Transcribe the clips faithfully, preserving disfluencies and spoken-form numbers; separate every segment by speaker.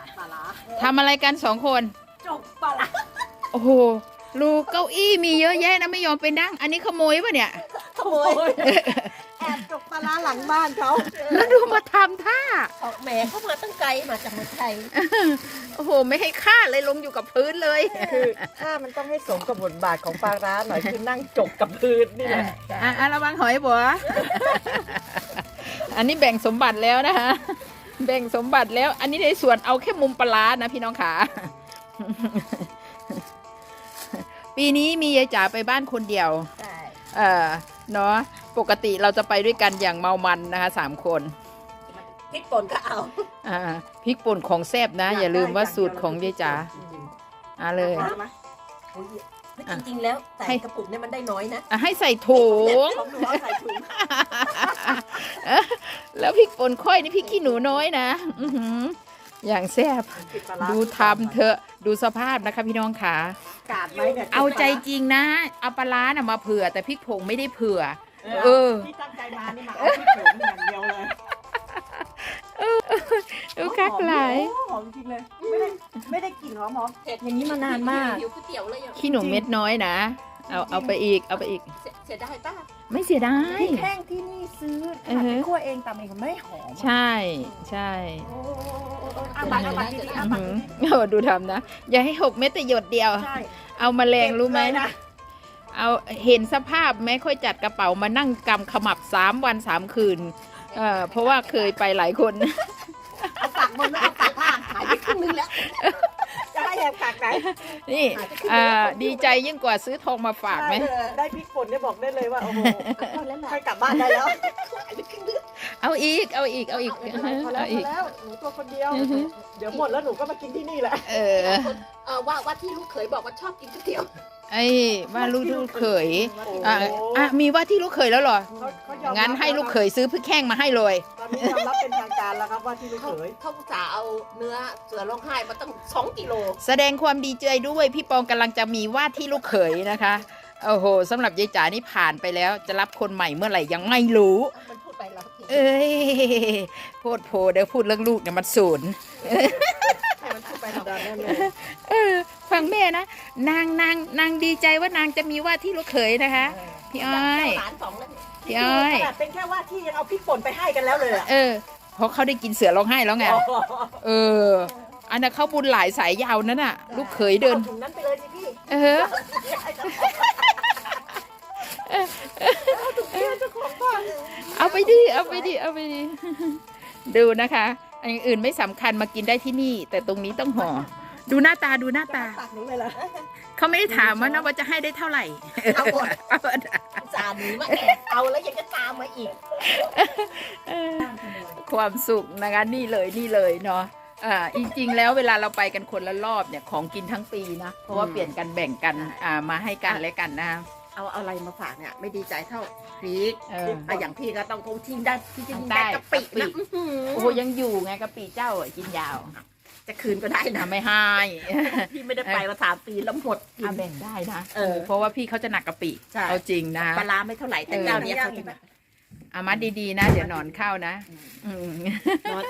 Speaker 1: ปลาร้า
Speaker 2: ทำอะไรกันสองคน
Speaker 1: จกปลาร้า
Speaker 2: โอ้โหลูกเก้าอี้มีเยอะแยะนะไม่ยอมไปนั่งอันนี้ขโมยปะเนี่ย
Speaker 1: ขโมยแอบจกปลาร้าหลังบ้านเขา
Speaker 2: แล้วดูมาทำท่า
Speaker 1: ออกแหมเข้ามาตั้งไกลมาจากเมืองไทย
Speaker 2: โอ้โหไม่ให้ค่าเลยลงอยู่กับพื้นเลย
Speaker 1: คือถ้ามันต้องให้สมกับบทบาทของปลาร้าหน่อยคือนั่งจกกับพื้นนี่แหละ
Speaker 2: อ่ะอ่ะระวังหอยบัว อันนี้แบ่งสมบัติแล้วนะคะ แบ่งสมบัติแล้ว อันนี้ในส่วนเอาแค่มุมปลาร้านะพี่น้องขา ปีนี้มียายจ๋าไปบ้านคนเดียว
Speaker 1: ใช่
Speaker 2: เออเนาะปกติเราจะไปด้วยกันอย่างเมามันนะคะสามคน
Speaker 1: พริกป่นก็เอา
Speaker 2: อ่าพริกป่นของแซ่บนะ อย่าลืมว่าสูตรของยายจ๋าอ่าเลย
Speaker 1: เอามาโอ้ยจริงๆแล้วใส่
Speaker 2: ให้
Speaker 1: กระปุกเนี่ยมันได้น้อยนะ
Speaker 2: อ่ะให้ใส่ถุง
Speaker 1: ของหนูเอาใส่ถุง
Speaker 2: แล้วพริกป่นค่อยนี่พริกขี้หนูน้อยนะอื้อหืออย่างแซ่บดูทำเถอะดูสภาพนะคะพี่น้องขาก
Speaker 1: าดไว้เนี่ย
Speaker 2: เอาใจจริงนะเอาปลาร้าน่ะมาเผื่อแต่พริกผงไม่ได้เผื่อ
Speaker 1: เอ
Speaker 2: เอ
Speaker 1: อ
Speaker 2: อ
Speaker 1: ที่ตั้งใจมานี่มาเอาพริกผงอย่างเดียวเลย
Speaker 2: ดูคักหลาย
Speaker 1: หอมจริงเลยไม่ได้ไม่ได้กลิ่นหอมหอมเผ็ดอย่างนี้มานานมาก
Speaker 3: หิวก๋วยเตี๋ยวเลยอ่ะ
Speaker 2: ขี้หนูเม็ดน้อยนะเอาเอาไปอีกเอาไปอีก
Speaker 3: เสียเสียดายป้า
Speaker 2: ไม่เสียดา
Speaker 1: พ
Speaker 2: ย
Speaker 1: ริกแห้งที่นี่ซื้อขนาดไปคั่วเองตำเองมันไม่หอม
Speaker 2: ใช่ใช่
Speaker 1: โอ้อาบักอาบักดีๆอา
Speaker 2: อื้อ
Speaker 1: บัก
Speaker 2: หือ
Speaker 1: ดี
Speaker 2: โอ้ดูทำนะ อย่าให้หกเม็ดแต่หยดเดียว
Speaker 1: ๆใช่
Speaker 2: เอามาแรงรู้ไหม
Speaker 1: เก็บเลยนะ
Speaker 2: เอาเห็นสภาพแม่ค่อยจัดกระเป๋ามานั่งกำขมับสามวันสามคืนเอ่อเพราะว่าเคยไปหลายคน
Speaker 1: เอาฝักบนแล้วเอาฝักล่างหายไปครึ่งนึงแล้วจะให้แอบฝักไหน
Speaker 2: นี่อ่าดีใจยิ่งกว่าซื้อทองมาฝากไหม
Speaker 1: ได้เลยได้พริกป่นเนี่ยบอกได้เลยว่าโอ้โหให้กลับบ้านได้แล้วหายไปครึ่งนึง
Speaker 2: เอาอีกเอาอีกเอาอีก
Speaker 1: พอแล้วพอ
Speaker 2: เอาอีก
Speaker 1: แล้วหนูตัวคนเดียว
Speaker 2: อือฮึ
Speaker 1: เดี๋ยวหมดแล้วหนูก็มากินที่นี่แหละ
Speaker 2: เออ
Speaker 3: เออว่าว่าที่ลูกเขยบอกว่าชอบกินก๋วยเตี๋ยว
Speaker 2: ไอ้ว่าลูกลูกเขย
Speaker 1: โอ้โห
Speaker 2: อ่ะอ่ะมีว่าที่ลูกเขยแล้วเหรอ
Speaker 1: เขาเขายอมรับ
Speaker 2: งั้นให้ลูกเขยซื้อพริกแห้งมาให้เลย
Speaker 1: ตอนนี้ยอมรับเป็นทางการแล้วครับว่าที่ลูก
Speaker 3: เขา
Speaker 1: เขย
Speaker 3: เขาจะเอาเนื้อเสือร้องไห้มาตั้งสองกิโล
Speaker 2: แสดงความดีใจด้วยพี่ปองกำลังจะมีว่าที่ลูกเขยนะคะโอ้โหสำหรับยายจ๋านี่ผ่านไปแล้ว จะรับคนใหม่เมื่อไหร่ยังไม่รู้
Speaker 3: มันพูดไปแล้ว
Speaker 2: เอ้ยโพดโพเดี๋ยวพูดเรื่องลูกเนี่ยมันศูนย์
Speaker 1: ให้มันพูดไปธรรมดาแน่เลย
Speaker 2: เออฟังแม่นะนางนางนางดีใจว่านางจะมีว่าที่ลูกเขยนะคะ พี่อ้อย
Speaker 3: หลานสองแล้ว
Speaker 2: พี่อ้อย
Speaker 1: ขนาดเป็นแค่ว่าที่ยังเอาพริกป่นไปให้กันแล้วเลยอะ
Speaker 2: เออเพราะเขาได้กินเสือร้องไห้แล้วไงเออ อันนั้นเขาบุญหลายสายยาวนั่นน่ะ ลูกเขยเดิน
Speaker 1: อาถุงนั้นไปเลยสิพี่
Speaker 2: เออ
Speaker 1: เจ้าของบ้าน
Speaker 2: เอาไปดิเอาไปดิเอาไปดิดูนะคะ อันอื่นไม่สำคัญมากินได้ที่นี่ แต่ตรงนี้ต้องห่อดูหน้าตาดูหน้าตา
Speaker 1: ปากหนูเลยเหรอ
Speaker 2: เขาไม่ได้ถามว่านะว่าจะให้ได้เท่าไหร่
Speaker 3: เอาหมด
Speaker 2: เอาหมด
Speaker 3: สามหนีมาแอบเอาแล้วยังจะตามมาอีก
Speaker 2: เออความสุขนะคะนี่เลยนี่เลยเนาะอ่าจริงๆแล้วเวลาเราไปกันคนละรอบเนี่ยของกินทั้งปีนะเพราะว่าเปลี่ยนกันแบ่งกันอ่ามาให้กันและกันนะ
Speaker 3: เอาเอาอะไรมาฝากเนี่ยไม่ดีใจเท่าพริก
Speaker 2: เออ
Speaker 3: อ่ะอย่างพี่ก็ต้องคงทิ้งได้ที่จริง
Speaker 2: ได้
Speaker 3: ได้กะปิ
Speaker 2: กะปิ
Speaker 3: นะอื้อหือ
Speaker 2: โอ้โหยังอยู่ไงกะปิเจ้าอ่ะกินยาว
Speaker 3: จะคืนก็ได้นะ
Speaker 2: ทำไม่ให้
Speaker 3: พี่ไม่ได้ไปมาสามปีแล้วหมดกิ
Speaker 2: อ่ะ
Speaker 3: น
Speaker 2: แบ่งได้นะ
Speaker 3: เออ
Speaker 2: เพราะว่าพี่เขาจะหนักกะปิ
Speaker 3: ใช่
Speaker 2: เอาจริงนะ
Speaker 3: ปลาร้าไม่เท่าไหร่แต่เจ้าเนี้ยเขาจะแบบ
Speaker 2: อามัดดีๆนะ เดี๋ยวหนอนเข้านะอืม
Speaker 3: นอน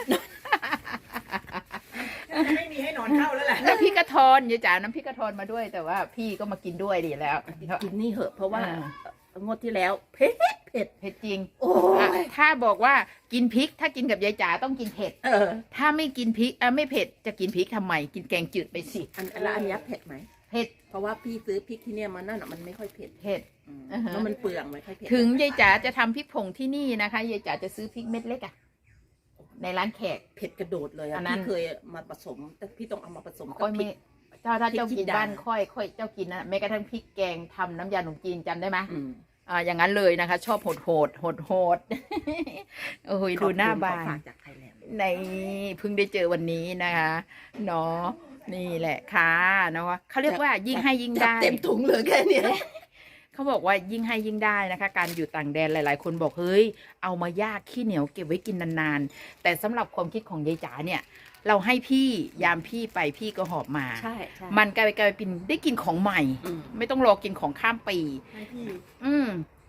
Speaker 1: ไม่มีให้นอนเข้าแล้วแหละ
Speaker 2: น้ำพริกกระทอนยายจ๋าน้ำพริกกระทอนมาด้วย แต่ว่าพี่ก็มากินด้วยดีแล้ว
Speaker 3: กินนี่เหอะเพราะว่า
Speaker 2: อ่า
Speaker 3: งวดที่แล้วเผ็ดเผ็ด
Speaker 2: เผ็ดจริง
Speaker 3: โอ้
Speaker 2: อ่ะ
Speaker 3: ย
Speaker 2: ถ้าบอกว่ากินพริกถ้ากินกับยายจ๋าต้องกินเผ็ด
Speaker 3: เออ
Speaker 2: ถ้าไม่กินพริกอ่ะไม่เผ็ดจะกินพริกทำไม กินแกงจืดไปสิ
Speaker 3: อันแล้วอันเนี้ยเผ็ดไหม
Speaker 2: เผ็ด
Speaker 3: เพราะว่าพี่ซื้อพริกที่เนี่ยมันนั่นอ่ะมันไม่ค่อยเผ็ด
Speaker 2: เผ็ด
Speaker 3: อืม
Speaker 2: อ่าฮะ
Speaker 3: แล้วมันเปลืองไม่ค่อยเผ็ด
Speaker 2: ถึงยายจ๋าจะทำพริกผงที่นี่นะคะยายจ๋าจะซื้อพริกเม็ดเล็กอะในร้านแขก
Speaker 3: เผ็ดกระโดดเลย
Speaker 2: อั
Speaker 3: อ่ะ
Speaker 2: นนั้น
Speaker 3: พี่เคยมาผสม แต่พี่ต้องเอามาผสมกั
Speaker 2: ค่อบ ย
Speaker 3: พริ
Speaker 2: ไม่
Speaker 3: ก
Speaker 2: ถ้าถ้าเจ้า
Speaker 3: พริก
Speaker 2: กิน
Speaker 3: จินดา
Speaker 2: บ้านค่อยค่อยเจ้ากินนะแม้กระทั่งพริกแกงทำน้ำยาขนมจีนจำได้ไหม
Speaker 3: อืม
Speaker 2: อ่าอย่างนั้นเลยนะคะ ชอบโหดโหดโหดโหด โอ้ยดูหน้าบา
Speaker 3: ขอบคุณของ
Speaker 2: น
Speaker 3: ฝากจากไทยแลนด์
Speaker 2: ในเพิ่งได้เจอวันนี้นะคะเนาะนี่แหละค่ะเนาะเขาเรียกว่ายิ่งให้ยิ่งได้
Speaker 3: เต็มถุงเลยแค่เนี้ย
Speaker 2: เขาบอกว่ายิ่งให้ยิ่งได้นะคะ การอยู่ต่างแดนหลาย ๆ คนบอกเฮ้ยเอามายากขี้เหนียวเก็บไว้กินนานๆแต่สำหรับความคิดของยายจ๋าเนี่ย เราให้พี่ยามพี่ไปพี่ก็หอบมา
Speaker 3: ใช่ใช่
Speaker 2: มันกลายเป็นกลายเป็นได้กินของใหม่
Speaker 3: อืม
Speaker 2: ไม่ต้องรอกินของข้ามปี
Speaker 1: ให้พี่
Speaker 2: อืม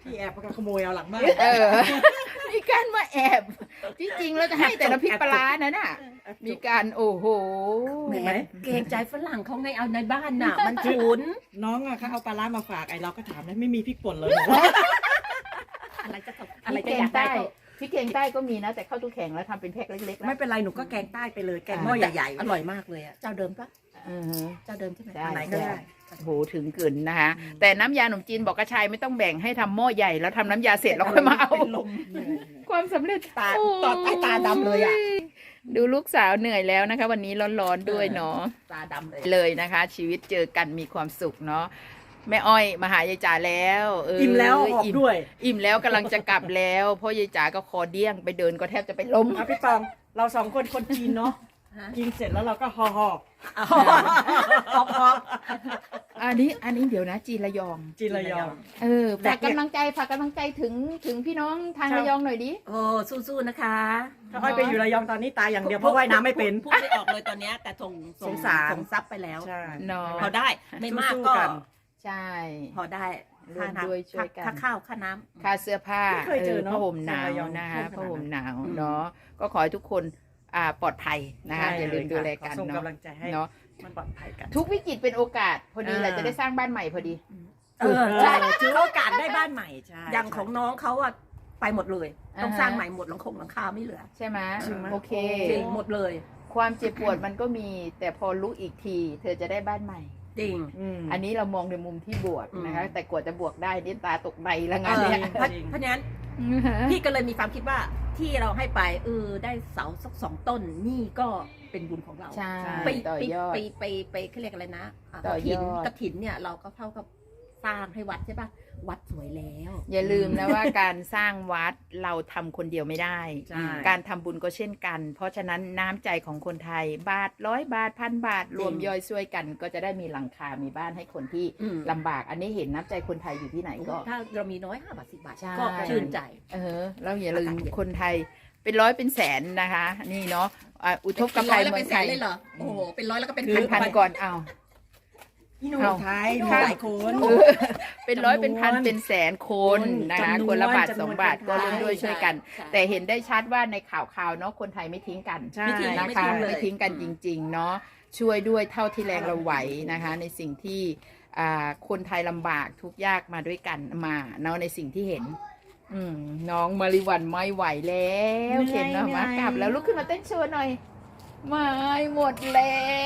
Speaker 1: พี่แอบมาขโมยเอาหลังบ้าน
Speaker 2: เออ มีการมาแอบ ที่จริงเราจะให้แต่ละพริกปลาร้านะน่ะ มีการโอ้โห
Speaker 3: แหมเกรงใจฝรั่งเขาไงเอาในบ้านน่ะ มันฉุน
Speaker 1: น้องอะเขาเอาปลาร้ามาฝากไอ้เราก็ถามนะไม่มีพริกป่นเลย
Speaker 3: อะไรจะตก
Speaker 2: อะ
Speaker 3: อะไร ไร
Speaker 2: แก
Speaker 3: จะอง ยากได้
Speaker 2: ใต้
Speaker 3: ก็
Speaker 2: พริกแกงใต้ก็มีนะ แต่เข้าตู้แข็งแล้วทำเป็นแพ็คเล็กๆแล้ว
Speaker 1: ไม่เป็นไรหนูก็แกงใต้ไปเลยแกงหม้อใหญ่ๆ
Speaker 3: อร่อยมากเลยอ่ะเจ้าเดิมปะ
Speaker 2: อือฮึ
Speaker 3: เจ้าเดิมใช่ไหม
Speaker 2: ใช่
Speaker 3: อันไหนก็ได้
Speaker 2: โอ้โหถึงกึ่นนะคะ แต่น้ำยาขนมจีนบอกกระชายไม่ต้องแบ่งให้ทำหม้อใหญ่แล้วทำน้ำยาเสร็จแล้วค่อยมาเอา
Speaker 3: เป็นลม
Speaker 2: ความสำเร็จ
Speaker 3: ตาตอดใต้ตาดำเลยอ่ะ
Speaker 2: ดูลูกสาวเหนื่อยแล้วนะคะ วันนี้ร้อนๆด้วยเนาะ
Speaker 3: ตาดำเลย
Speaker 2: เลยนะคะ ชีวิตเจอกันมีความสุขเนาะแม่อ้อยมาหายายจ๋าแล้วเ
Speaker 1: อิ่มแล้วออก
Speaker 2: อิ่ม
Speaker 1: ด้วย
Speaker 2: อิ่มแล้วกำลังจะกลับแล้วเพราะยายจ๋าก็คอเดี้ยงไปเดินก็แทบจะไปล้ม
Speaker 1: อ่ะพี่ปองเราสองคนคนจีนเนาะ
Speaker 3: ฮะ
Speaker 1: กินเสร็จแล้วเราก็ห่อห่อ
Speaker 3: ฮอบฮอบ
Speaker 2: อันนี้อันนี้เดี๋ยวนะจีนระยอง
Speaker 1: จีนระยอง
Speaker 2: เออฝากกำลังใจฝากกำลังใจถึงถึงพี่น้องทางระยองหน่อยดิ
Speaker 3: โอ้สู้ๆนะคะ
Speaker 1: ถ้าอ้อยไปอยู่ระยองตอนนี้ตายอย่างเดียวเพราะว่ายน้ำไม่เป็น
Speaker 3: พูดไม่ออกเลยตอนเนี้ยแต่ส่ง
Speaker 1: สงสาร
Speaker 3: ส่งซับไปแล้ว
Speaker 1: ใช่
Speaker 2: เนาะ
Speaker 3: พอได้ไม่มาก
Speaker 1: สู้
Speaker 3: ก็
Speaker 1: ๆกัน
Speaker 2: ใช่
Speaker 3: พอได้
Speaker 2: ร่วม
Speaker 3: ค่า
Speaker 2: ด้วย
Speaker 3: น้ำ
Speaker 2: ช่วยกัน
Speaker 3: ค่าข้าวค่าน้ำ
Speaker 2: ค่าเสื้อผ้า
Speaker 1: ไม่เคยเจอเนอะ
Speaker 2: ผ้าห่มหนาว
Speaker 1: ระยอง
Speaker 2: นะคะ
Speaker 1: ขนาดนั้น
Speaker 2: ผ้าห่มหนาว
Speaker 3: อืม
Speaker 2: เนาะก็ขอให้ทุกคนอ่าปลอดภัยนะคะ
Speaker 1: ใช่
Speaker 2: อย่าลืมดูแลกัน
Speaker 1: ขอส่ง
Speaker 2: เนาะ
Speaker 1: กำลังใจให้
Speaker 2: เนาะ
Speaker 1: มันปลอดภัยกัน
Speaker 2: ทุกวิกฤตเป็นโอกาสพอดีแหละ
Speaker 1: อ่า
Speaker 2: จะได้สร้างบ้านใหม่พอดี
Speaker 3: เออใช่
Speaker 1: ถือโอกาสได้บ้านใหม่ใช่
Speaker 3: อย่างของน้องเขาอะไปหมดเลย ต้อง
Speaker 2: อ่าฮะ
Speaker 3: สร้างใหม่หมดหลังคงหลังคาไม่เหลือ
Speaker 2: ใช่ไหม
Speaker 1: จริงไหม
Speaker 2: โอเค
Speaker 3: จริงหมดเลย
Speaker 2: ความเจ็บปวดมันก็มี แต่พอรู้อีกที เธอจะได้บ้านใหม่
Speaker 3: จริง
Speaker 1: อืม
Speaker 2: อันนี้เรามองในมุมที่บวกนะคะ
Speaker 3: อืม
Speaker 2: แต่กว่าจะบวกได้นี่ตาตกใบแล้วงาน
Speaker 3: เออ
Speaker 2: เนี้ย
Speaker 3: เพราะเพราะฉะนั้นพี่ก็เลยมีความคิดว่าที่เราให้ไปเออได้เสาสักสองต้นนี่ก็เป็นบุญของเรา
Speaker 2: ใช่
Speaker 3: ไป
Speaker 2: ต่อ
Speaker 3: ไป
Speaker 2: ยอด
Speaker 3: ไปไปไปเขาเรียกอะไรนะะ
Speaker 2: ต่อยอด
Speaker 3: กฐินกระถินเนี่ยเราก็เท่ากับสร้างให้วัดใช่ปะวัดสวยแล้ว
Speaker 2: อย่าลืมนะว่าการสร้างวัดเราทำคนเดียวไม่ได้
Speaker 1: ใช่
Speaker 2: การทำบุญก็เช่นกัน เพราะฉะนั้นน้ำใจของคนไทย บาทร้อยบาทพันบาท รวมย่อยช่วยกัน ก็จะได้มีหลังคา มีบ้านให้คนที่
Speaker 3: อืม
Speaker 2: ลำบาก อันนี้เห็นน้ำใจคนไทยอยู่ที่ไหนก็
Speaker 3: ถ้าเรามีน้อยห้าบาทสิบบาท
Speaker 2: ใช่
Speaker 3: ก็ชื่นใจ
Speaker 2: เออแล้วอย่าลืม
Speaker 3: อากาศเย็น
Speaker 2: คนไทยเป็นร้อยเป็นแสนนะคะ นี่เนาะอ่ะอุทกภัย
Speaker 3: เป็นร้อยแล้ว
Speaker 2: เมื
Speaker 3: เป็
Speaker 2: อน ง
Speaker 3: แส
Speaker 2: ไท
Speaker 3: น
Speaker 2: ย
Speaker 3: เลยเหรอโอ้โหเป็นร้อยแล้วก็เป็น
Speaker 2: เป็นพัน
Speaker 3: ไป
Speaker 2: ก่อนเอา
Speaker 1: พี่หนุ่ม
Speaker 2: เอา
Speaker 1: ไทยมีหลายคน
Speaker 2: เออเป็นร้อยเป็นพัน
Speaker 1: จำนวน
Speaker 2: เป็นแสนคนนะคะ
Speaker 1: จำนวน
Speaker 2: คนละบาท
Speaker 1: จำนวน
Speaker 2: สองบาท
Speaker 1: คนไทย
Speaker 2: ก็ร่วมด้วยช่วยกัน
Speaker 3: ใช่
Speaker 2: แต่เห็นได้ชัดว่าในข่าวข่าวๆเนาะคนไทยไม่ทิ้งกัน
Speaker 1: ใช่
Speaker 3: ไม่ทิ้ง
Speaker 2: นะคะ
Speaker 3: ไม่ทิ้งเลย
Speaker 2: ไม่ทิ้งกันจริง ๆ เนาะช่วยด้วยเท่าที่แรงเราไหวนะคะ ในสิ่งที่อ่าคนไทยลำบากทุกข์ยากมาด้วยกันมาเนาะในสิ่งที่เห็น อืมน้องมาริวันไม่ไหวแล้ว
Speaker 1: เหนื่อย
Speaker 2: เข็นเนาะ
Speaker 1: เหนื่
Speaker 2: มา
Speaker 1: อย
Speaker 2: กลับแล้วลุกขึ้นมาเต้นโชว์หน่อยไม่หมดแรง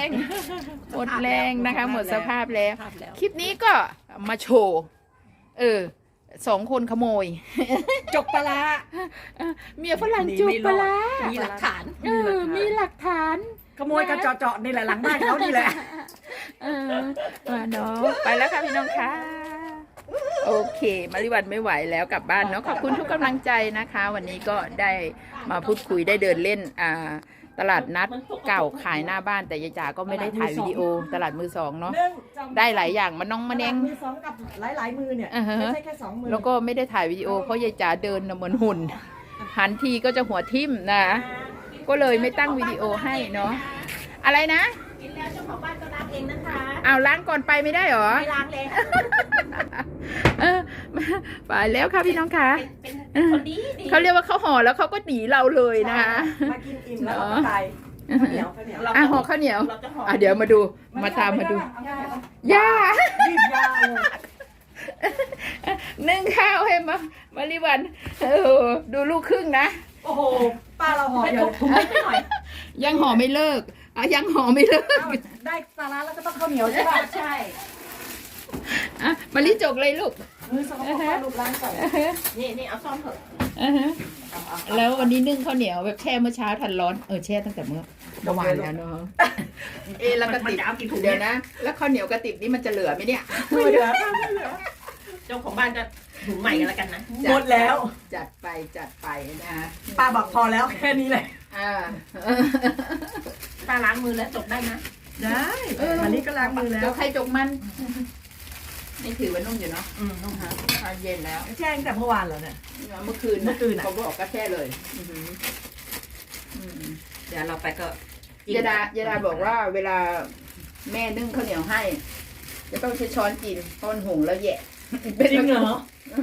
Speaker 2: หมดแรงนะคะ หมดสภาพแล้ว
Speaker 3: ภาพแล้ว
Speaker 2: คลิปนี้ก็มาโชว์ เออ สองคนขโมย
Speaker 1: จกปลาร้า
Speaker 2: เมียฝรั่ง
Speaker 1: หนี
Speaker 2: จุก
Speaker 1: ไม่ร
Speaker 2: ป
Speaker 1: อด
Speaker 2: ลาร้า
Speaker 3: มีหลักฐาน
Speaker 2: เออ มีหลักฐาน
Speaker 1: ขโมยกันเจาะๆนี่แหละหลังบ้านเขานี่แหละ
Speaker 2: เออมาเนาะไปแล้วค่ะพี่น้องค่ะ โอเค มาริวันไม่ไหวแล้วกลับบ้านเนาะ ขอบคุณทุกกำลังใจนะคะ วันนี้ก็ได้มาพูดคุยได้เดินเล่น อ่า ตลาดนัดเก่าขายหน้าบ้าน แต่ยายจ๋าก็ไม่ได้ถ่ายวิดีโอ ตลาดมือสองเนาะ
Speaker 1: เรื่องจำ
Speaker 2: ได้หลายอย่างมันน้องมาเนง
Speaker 1: มือสองกับหลายๆมือเนี่ย
Speaker 2: อ่าฮะ
Speaker 1: ไม่ใช่แค่สองมือ
Speaker 2: แล้วก็ไม่ได้ถ่ายวิดีโอเพราะยายจ๋าเดินน่ะเหมือนหุ่น หันทีก็จะหัวทิ่มนะ ก็เลยไม่ตั้งวิดีโอให้เนาะ อะไรนะ
Speaker 3: กินแล้วเจ้าของบ้านก็ล้างเองนะคะ
Speaker 2: เอาล้างก่อนไปไม่ได้เหรอ
Speaker 3: ไม่ล้างเลย
Speaker 2: เออไปแล้วค่ะพี่น้องค่ะ
Speaker 3: เป็นคนดีดี
Speaker 2: เขาเรียกว่าเขาห่อแล้วเขาก็หนีเราเลยนะคะ
Speaker 1: มากินอิ่มแล้วก็ไปข้าวเหนียวข้าวเหนียว
Speaker 2: อ่ะห่อข้าวเหนียว
Speaker 3: เราจะห่อ
Speaker 2: อ่ะเดี๋ยวมาดู มาตามมาดู
Speaker 1: เอได้เอา
Speaker 2: ย่า
Speaker 1: รีบยาวเลย
Speaker 2: นึ่งข้าวให้มามาริวันเออดูลูกครึ่งนะ
Speaker 1: โอ้โหป้าเราห่อ
Speaker 3: ไม่
Speaker 1: เดียว
Speaker 3: ถุงไม่หน่อย
Speaker 2: ยังห่อไม่เลิกอ่ะยังห่อไม่เลิก
Speaker 1: เอ้าได้ปลาร้าแล้วก็ต้องข้าวเหนียวใช่ป่ะ
Speaker 3: ใช่
Speaker 2: อ่ะมาริจกเลยลูก
Speaker 1: มือสองข้าวลูกล้างก่อน
Speaker 3: นี่นี่เอาซ่อมเถอะ
Speaker 2: อ่าฮะแล้ววันนี้นึ่งข้าวเหนียวแบบแช่เมื่อเช้าทันร้อนเออแช่ตั้งแต่เมื่อเมื่อวานแล้วเนาะเอะแล้วกระ
Speaker 3: มัน
Speaker 2: ติบ
Speaker 3: จะเอากี่ถุง
Speaker 2: เดี๋ยวนะ แล้วข้าวเหนียวกระติบนี่มันจะเหลือไหมเนี่ย
Speaker 1: ไม่เหลือไม่เหลือ
Speaker 3: เจ้าของบ้านจะถุงใหม่กันแล้วกันนะ
Speaker 1: หมดแล้ว
Speaker 2: จัดไปจัดไปนะ
Speaker 1: ป้าบอกพอแล้วแค่นี้แหละ
Speaker 2: อ่า
Speaker 3: ป้าล้างมือแล้วจบได้นะ
Speaker 1: ได้วันนี้ก็ล้างมือแล้
Speaker 2: แล้ว วใครจกมันนี่ถือว่านุ่มอยู่เนาะ
Speaker 1: อืมนุ่ม
Speaker 2: อ่าอ่าเย็นแล้ว
Speaker 1: แช่งแต่เมื่อวานแล้วเนี่ย
Speaker 2: เมื่อคืน
Speaker 1: เมื่อคืนน่ะ
Speaker 2: เขาบอกก็แช่เลยอือหืออืม
Speaker 3: เดี๋ยวเราไปก็
Speaker 2: ยาดายาดาบอกว่าเวลาแม่นึ่งข้าวเหนียวให้ จะต้องใช้ช้อนกินเพราะมันหุงแล้วแหยะ
Speaker 1: จริงเหรอ
Speaker 2: น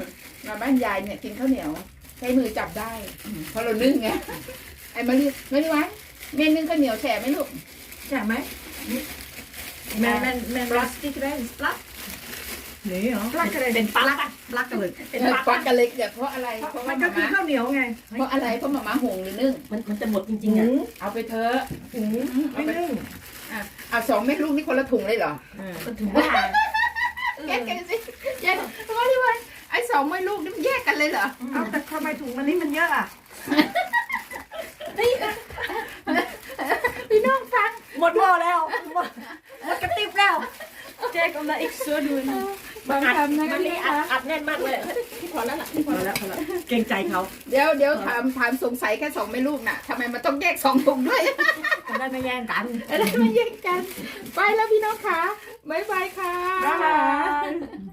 Speaker 2: มาบ้านยายเนี่ยกินข้าวเหนียวใช้มือจับได้เพราะเรานึ่งไงไอ้มารีมารีวะเมนนึ่งข้าวเหนียวแฉะไหมลูก
Speaker 3: ใช่ไหมแม่แม่แม่ปลัสติกได้ปลัสนี่เหรอปลักอะไรเป็นปลักปลักกันเลยเป็น
Speaker 2: เออ
Speaker 3: ปลัก
Speaker 2: ควักกันเล็กเนี่ยเพราะอะไรเพราะ
Speaker 3: มั
Speaker 2: ว่าน
Speaker 3: ก็
Speaker 2: มา
Speaker 3: คือ
Speaker 2: ม่า
Speaker 3: ข้าวเหนียวไง
Speaker 2: เพราะอะไรเพราะมาม่าหุงหรือนึ่ง
Speaker 3: มันมันจะหมดจริงๆอ่ะ
Speaker 2: เอาไปเถอะ
Speaker 3: ถุงไม่นึ่ง
Speaker 2: อ่ะเอาสองเม็ดลูกนี่คนละถุงเลยเหรอ
Speaker 3: มันถึงว่า
Speaker 2: แยกกันสิแยกเพราะว่าที่ว่าไอ้สองเม็ดลูกนี่มันแยกกันเลยเหรอ
Speaker 3: เอาแต่ทำไมถุงมันนี่มันเยอะอ่ะ
Speaker 2: พี่น้องฟัง
Speaker 3: หมดหม้อแล้วหมดหมดกระติบแล้ว
Speaker 4: Kijk, omdat ik zo doe.
Speaker 2: บางคำนะ
Speaker 3: มันนี่อัดอัดแน่นมากเลยพี่พอแล้วล่ะพี่พอแล้วพอแล้วเกรงใจเขา
Speaker 2: เดี๋ยวเดี๋ยวถามถามสงสัยแค่สองเม็ดลูกน่ะทำไมมันต้องแยกสองถุงด้วย
Speaker 3: จะได้ไม่แย่งกัน
Speaker 2: อะไรมาแย่งกัน ไปแล้วพี่น้องค่ะบ๊ายบายค่ะ
Speaker 3: บ๊ายบาย